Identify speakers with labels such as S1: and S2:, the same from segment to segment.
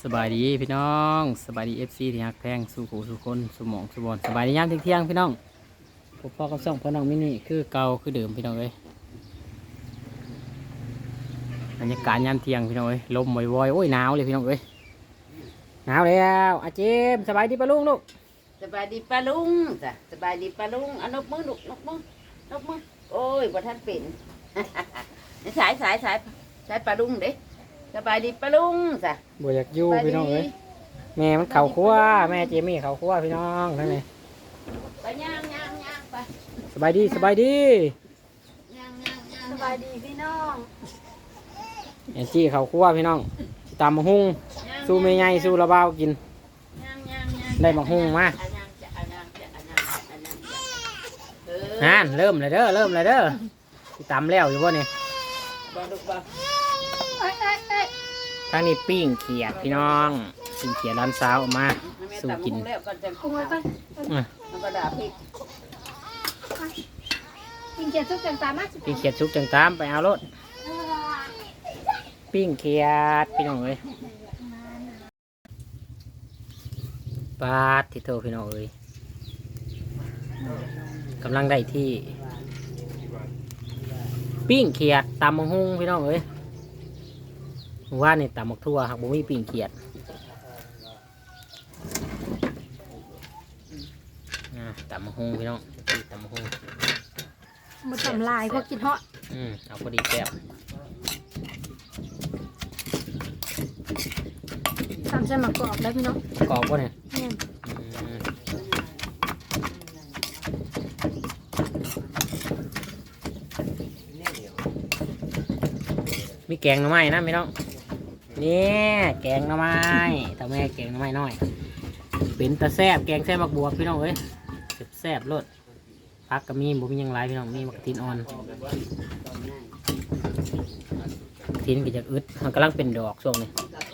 S1: สบายดีพี่น้องสบายดีFCที่ฮักแพงสู่หูสู่คนสู่หมองสู่บอลสบายดียามเที่ยงพี่น้องผมพ่อกับส่องพ่อน้องมินี่คือเก่าคือเดิมพี่น้องเอ้ยบรรยากาศยามเที่ยงพี่น้องเอ้ยลมวอยๆโอ้ยหนาวเลยพี่น้องเอ้ยหนาวแล้วอาเจมสบายดีปะลุงลูก
S2: สบายดีป้าลุงจ้ะสบายดีป้าลุงเอานกมือลูกนกมือโอ้ยบ่ทันเป็น สายป้าลุงเด้สบายดีป้าลุงจ้ะ
S1: บ่อยากอยู่พี่น้องเอ้ยแม่มันเข่าคั่วแม่เจมี่เข่าคั่วพี่น้องนั่นไง
S2: ไปย่างไป
S1: สบายดี
S2: ย่าง
S1: สบายดี
S2: พี่น้อง
S1: แอนจี้เข่าคั่วพี่น้องตามมาหุ้งสู้ไม่ไงสู้ระเบ้ากินได้มาหุ้งมานั่นเริ่มเลยเด้อตำแล้วอยู่บ่เนี่ยทางนี้ปิ้งเขียดพี่น้องปิ้งเขียดร้านสาวออกมาสู้กิน
S3: ปิ้งเขียดซุปจังตามมา
S1: ปิ้งเขียดซุปจังตามไปเอารถปิ้งเขียดพี่น้องเอ้ยปาดที่โตพี่น้องเอ้ยกำลังได้ที่ปิ้งเขียดตำมะฮุ่งพี่น้องเอ้ยว่านี่ตำมักทั่วหักบุ้มีปิ้งเขียดตำมะฮุ่งพี่น้องตำมะฮุ่ง
S3: มันทำลายพวกกินเหาะ
S1: เอาพอดีแซ่บ
S3: ทำเส้นมากรอบแล้วพี่น้อง
S1: กรอบป่ะเนี่ยมีแกงหน่อไม้นะพี่น้องนี่แกงหน่อไม้ทำแม่แกงหน่อไม้น้อยเป็นตะแซ่บแกงแซ่บมักบวบพี่น้องเอ้ยแซ่บรสพักก็มีบุ้มยังไรพี่น้องมีมักทินอ่อนทินก็จะอึดมันกำลังเป็นดอกช่วงนี้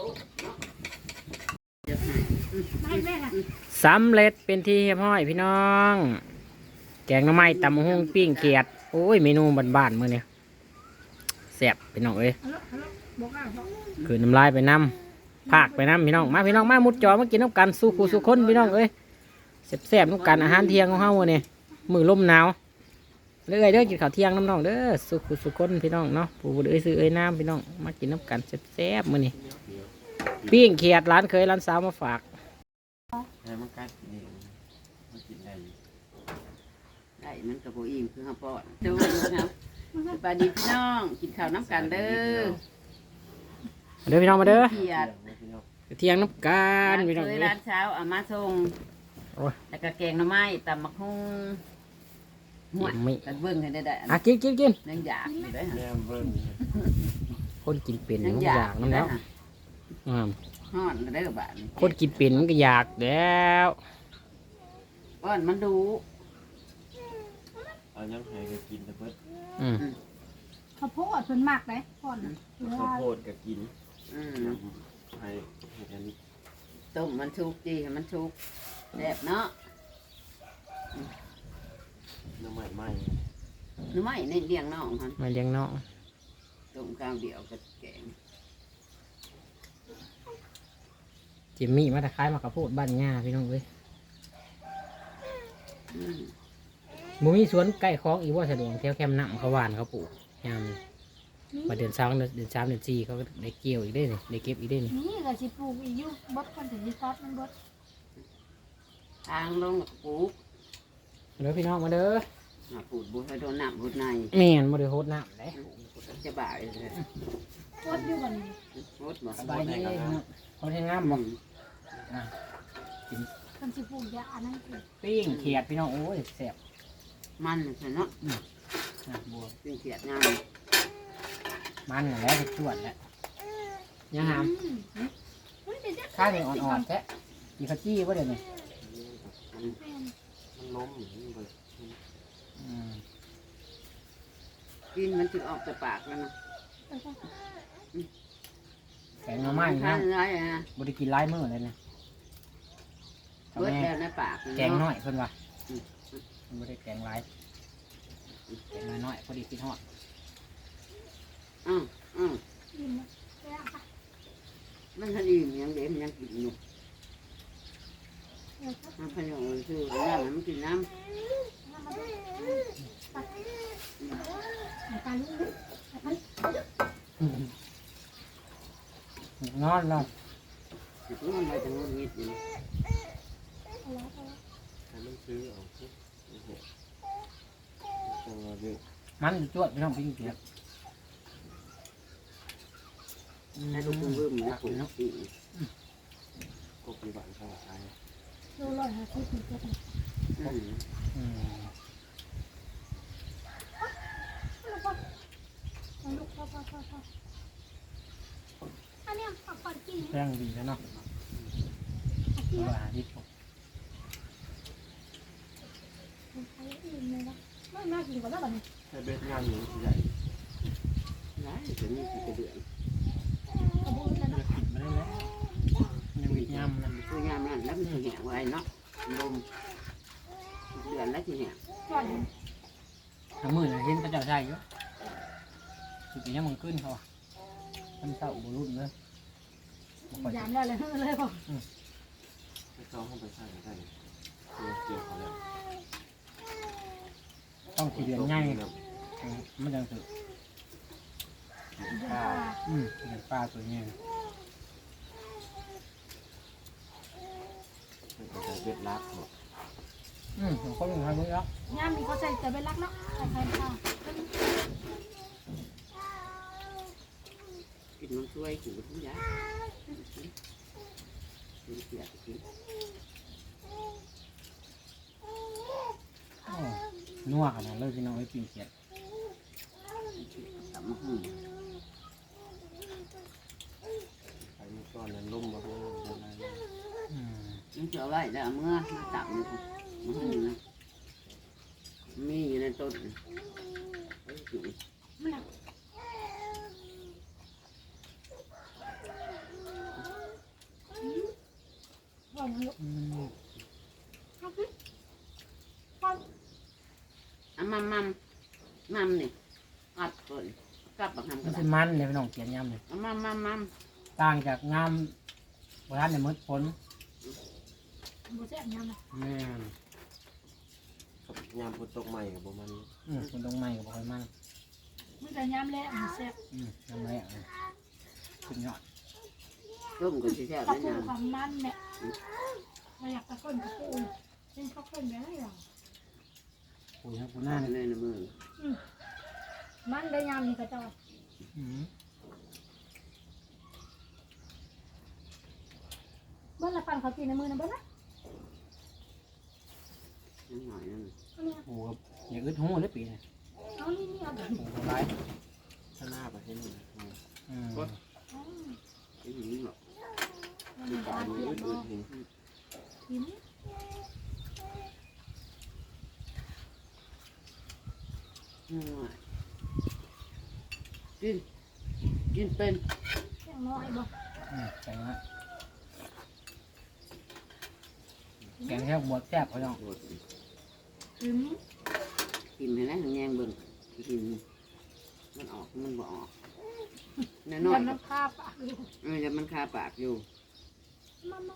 S1: สำเร็จเป็นที่เรียบร้อยพี่น้องแกงหน่อไม้ตำหุ่งปิ้งเขียดโอ้ยเมนูบ้านๆมื้อนี้แซ่บพี่น้องเอ้ยคือน้ำลายไปน้ำภาคไปน้ำพี่น้องมาพี่น้องมามุดจอมากินน้ำกันสู้คู่สู้คนพี่น้องเอ้ยแซ่บๆน้ำกันอาหารเที่ยงของเฮามื้อนี้มื้อลมหนาวเด้อกินข้าวเที่ยงน้ำน้องเด้อสู้คู่สู้คนพี่น้องเนาะผู้บุญซื้อน้ำพี่น้องมากินน้ำกันแซ่บๆมื้อนี้ปิ้งเขียดร้านเคยร้านสาวมาฝาก
S2: มันกัดนี่มันกินได้มันกับโบอิ่มคือข้าวปอดดูนะครับสบายดีพี่น้องกินข้าวน้ำกันเด้อ
S1: พี่น้องมาเด้อ
S2: เขียด
S1: เที่ยงน้ำกันพี่น้อง
S2: ร้านเช้าเอามาส่งแล้วก็แกงหน่อไม้ตำมะฮุ่งหัวกันเบิ้งให้ได้
S1: กิน
S2: นั่งอยากอยู่ได้ฮะ
S1: คนกินเป็นมันอยากน้ำแล้ว
S2: ฮ้อนได้กับบ้าน
S1: คนกินเป็นมันก็อยากแล้ว
S2: ป้อนมันดู
S4: เอายังไงก็กินแต่เพิ่น
S3: ข้าวโพดเพิ่นมากเลยก่อน
S4: ข้าวโพดก็กินให้อันนี้
S2: ต้มมันชุกดีให้มันชุกแซ่บเนาะ
S4: น้ำใหม่
S2: หรือไม่ในเลี้ยงน้องฮะ
S1: มาเลี้ยงน้อง
S2: ต้มข้าวเดียวกับแกง
S1: จิมมี่มาตะไคร้มากระโพดบ้านง่าพี่น้องเว้ยมูมีสวนใกล้คลองอีว่าสะดวกแถวแคมป์น้ำเขาหวานเขาปลูกยามมาเดือน3เดือน4เขาได้เกี่ยวอีกได้เลยได้เก็บอีกได้เลย
S3: นี่ก็สิปลูกอีกอยู่บดคนถึงที่ซอสมันบด
S2: ทางลงปลูก
S1: เด้อพี่น้องมาเด้อ
S2: ปลูกบุญให้โดนน้ำบุญใน
S1: แม่นมาเด้อโหดน้ำเลย
S2: จะบ่ายเลย
S3: บดอยู่กัน
S2: บดบ่
S1: สบายดีโหดให้งามบ่
S3: คนสิปลูกยาอันนั้นคือ
S1: ปิ้งเขียดพี่น้องโอ้ยแซ่บ
S2: มันเนาะ
S1: บัว
S2: ปิ้งเขียดงาม
S1: มันแล้วจวดแล้วยังหามข้าวเหนียวอ่อนๆแท้กี่ข้าวจี้ว่าเดี๋ยวนี้
S4: มันล้มอย่างนี้เลย
S2: กินมันถึงออกจากปากแล้วนะ
S1: แกงหน่อไม้นะบริกินไล่มือเลยเนี่ย
S2: เบิดแล้วในปาก
S1: แกงน้อยเพิ่นว่ะไม่ได้แกงไล่แกงน้อยพอดีกินฮอด
S2: มันทันอิ่มยังเด็กมันยังกินอยู่มันพยองเลยคือน้ำมันกินน้ำ
S1: นอนแล้ว
S2: ติดมันไปทางนู้นนิดนึง
S4: ให้มันซื้อเอาสิโอ้โหจังหวะเยอะ
S1: มันจวดพี่น้องปิ้งเกียด
S2: ให้ลูกเบิ่มนะปุ๋ยปี
S4: กบมีบ้านข้างซ้าย
S3: ดูร้อย50ถึงจะได้
S1: อืม
S3: ลูกพ่ออันนี้ผักก่อนกิน
S1: แป้งดีแล้วเนาะ
S3: กิน
S1: ว่าที่ผม
S3: ใช้อิ่มเลยนะไม่น่ากินกว่าแล้วแบบนี้
S4: แต่เบ็ดงานหนูใหญ่
S2: ร้ายจะมีกี่เดือน
S3: กระบุนเลย
S1: จะ
S3: นะ
S1: กินไม่ได้แล้วยังมีย่ำนะ
S2: คืองานนั่นแล้วมันแห้งไว้เนาะลมเดือนแล้วทีเนี้ย
S3: ก่อน
S1: ทั้งมือเห็นกระเจ้าใช่เยอะสุดที่มันขึ้นเขาทำเศร้าบุรุษเลยบ่ค่อย
S3: ยามได้เลยเลยบอก
S4: ไปซ้อมเข้าไปใส่ได้ตัวเกี่ยวเขาแล้ว
S1: ต้องสีเดือนง่ายมันยังถือ
S3: ปลา
S1: เดือนปลาตัวนี้
S4: แต่เบ็ดลักหมด
S1: ผมก็ลงทางนี้แล้ว
S3: ย่ามมีเขาใส่แต่เป็นรักเนาะใส่ไข่ปลา
S2: กินมันช่วยกินทุกอย่างกินเสียกิน
S1: นัวขนาดเลยพี่น้องไอ้ปิ้งเกียด
S2: ตำหุ่น
S4: ไปเมื่อก่อนนั้นล่มมาเพื่ออะไร
S2: มันเจอไว้แล้วเมื่อมาตับมันหุ่นนะมีอยู่ในต้นไอ้จุ๋ย
S3: มันหนักก่อนลูกเอาสิก่อน
S2: มัมนี่อัดก่อนกลับมาทำ
S1: มั
S2: กัน น
S1: เป็นมันเลยพี่น้องเกียดย่ำเลย
S2: มัม
S1: ต่างจากงามร้านในมืดฝน
S3: บูเซ่บยำนะ
S1: แม่
S4: กับยามฝนตกใหม่กับประมาณนี้
S1: คนตรงใหม่กับบ่อยมัน
S3: มันจะยำแล้วมันแซ่บ
S1: น้ำแรกขึ้นยอด
S2: ต้มกันที่แท้
S3: กระ
S2: แล้ว
S3: ปู
S2: นะ
S3: ความมันเนี่ยเราอยากตะก้นกระปูเป็นข้าวข้นแบบนี้หรอ
S1: ปูทั้งปูห
S2: ห
S1: น้า
S2: น้า
S1: เนี่ย
S2: ในมือ
S3: มันได้ยำนี่กระจอยเบิ้ลละปันเขากินในมือนะเบิ้ลละ
S2: นิดหน่อยนั่น
S3: เอาเนี่ย
S1: ปูกับอย่าอึดหูเลยปีเนี่ย
S3: เอานี่เอาแบบ
S1: ปูร้าย
S4: ถ้าหน้าไปให้หนู
S2: ไอ้หญิงหรอก
S4: คือปลาดูอืดๆเห็น
S3: กิน
S2: กินเป็น
S3: อย่างน้อยบ่
S1: แกงนะแกงแค่บวชแซ่บเขาต้อง
S2: โดด
S3: กิน
S2: กินให้นะแงงเบิ่งกินมันออกมันบ่ออกน้อย
S3: ยำน้ำข้าวปากอยู่
S2: ๆจะมันคาปากอยู่
S3: มามา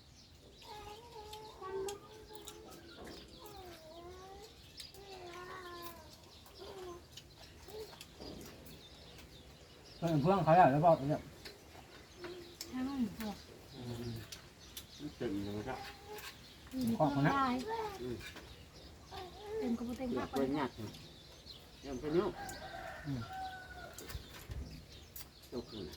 S1: เพื่อนเขาอยากจะบอกเนี่ย
S3: ทั้งหัว
S4: มันเต็มเลยครับ
S3: ได้เต็มกระปุกเต็ม
S2: อยา
S3: ปาก ก
S2: เป็นหยักยังเป็นนุ๊กตกขึ้น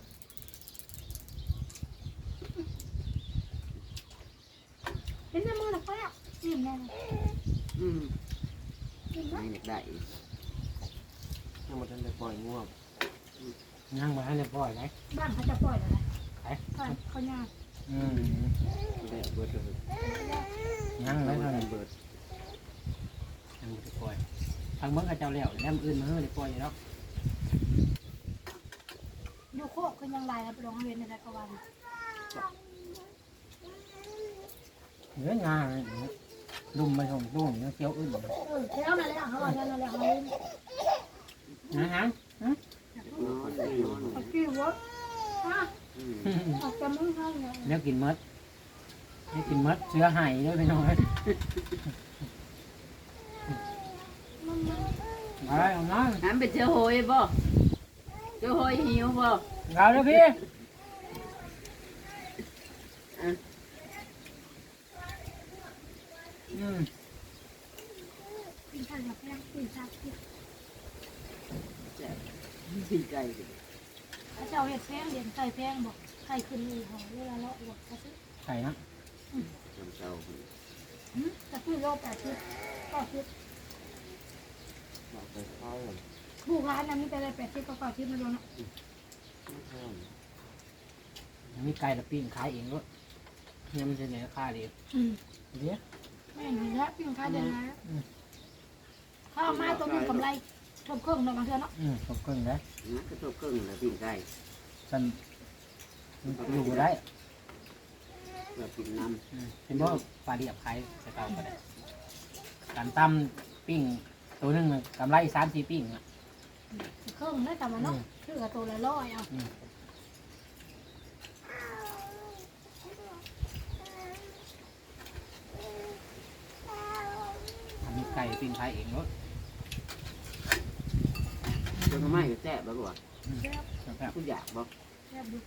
S3: เป็นในมือหนักไปอ่ะอิ่มแน่
S2: อืม
S3: อิ่ม
S2: ไม่
S3: นะ
S2: อยากได้
S4: ยังมาทันได้ปล่อยง่วง
S1: ย่างมาให้เรียบร้อยไหม
S3: บ้านเขาจะปล่อยอะไรเขาย่าง
S4: ได้เบิดเลย
S1: ย่างแล้วเท่านั้น
S4: เบิด
S1: ยังไม่ได้ปล่อยทางเมืองกับเจ้าแล้วแล้วอื่นมาเฮ้ยได้ปล่อยแล้ว
S3: ดูโคกคือยังไรไปลองเรียนในกระวัน
S1: เนื้องาดุมไปส่งตู้เนื้อเคี้ยวอื่น
S3: เท่านั้นแหละเขาว่านั่นแหละเขาเล่น
S1: นะฮะ
S2: นอน
S3: เขากิ้ววะฮะออกจากมือเขาเนี่ย
S1: เดี๋ยวกินมดเดี๋ยวกินมดเชื้อไห่ด้วยพี่น้องเอ้ย
S3: มัน
S1: ไปเอาน้อง
S2: น้ำเป็นเชื้อโหยบ่เชื้อโหยหิวบ่
S1: เอาเด้อพี่อืม
S3: กินข้าวกับแป้งกินชาติ
S2: แซ่บดีใจดิ
S3: พระเจ้าเห็ดแป้งเลี้ยงไก่แป้งบอกไก่ขึ้นอีหอเวลาเลาะบอกกระซื้อ
S1: ไข่นะ
S2: จำเจ้า
S3: กระซื้อโล80ก็ซื้อ
S4: บอกไปเข้า
S3: ผู้ร้านนั้นมีแต่ละ80ก็ซื้อมาโดนเนาะ
S4: ห้าม
S1: มีไก่ละปิ้งขายเองด้วยเนี่ยมันจะไหนราคาดีเดี๋ยว
S3: แม่นี่ละปิ้งข้าวเดือนนะข้าวมาตัวนึงกำไรทบเครื่องเนาะบางเทื่อเนาะ
S1: ตกเครื่องได้
S2: นะก็ตัวครึ่งแล้วปิ้งไก่
S1: ฉันอยู่ได้
S2: แบบกินน้
S1: เป็นบ่ปลาเดียบขายใส่เตาก็ได้การตั้มปิ้งตัวหนึงน่ะกำไร3-4ปิ้งอ่ะ
S3: เครื่องได้แต่มาเนาะคือกับตัวละ100เอา
S1: อันนี้ไก่ปิ้งขายเองด้วย
S2: ำตัวไม้ก็แซ่บแล้วบ่
S3: แซ่บ
S1: ครับ
S2: กูอยากบ่
S3: แซ่บดู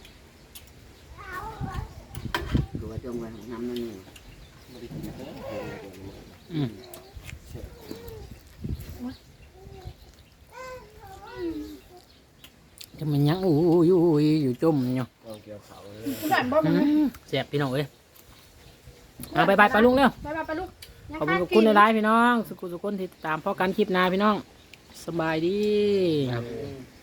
S2: คือว่าจงไว้ของน้ำนั่นนี่
S4: ไม่ได้กินเด้อเดี๋ยว
S1: อืม
S4: เสร็จ
S1: จะมันยังอยู่จุ่มอยู่
S4: เอาเกี่ยวเขาเลย
S3: ผู้ด่านบ่มัน
S1: แซ่บพี่น้องเอ้ยเอาไปไปลุงเร็ว
S3: ไปลูก
S1: ขอบคุณในไลฟ์พี่น้องสุขุสุขคนที่ตามพ่อกันคลิปหนาพี่น้องสบายดี
S4: ครับ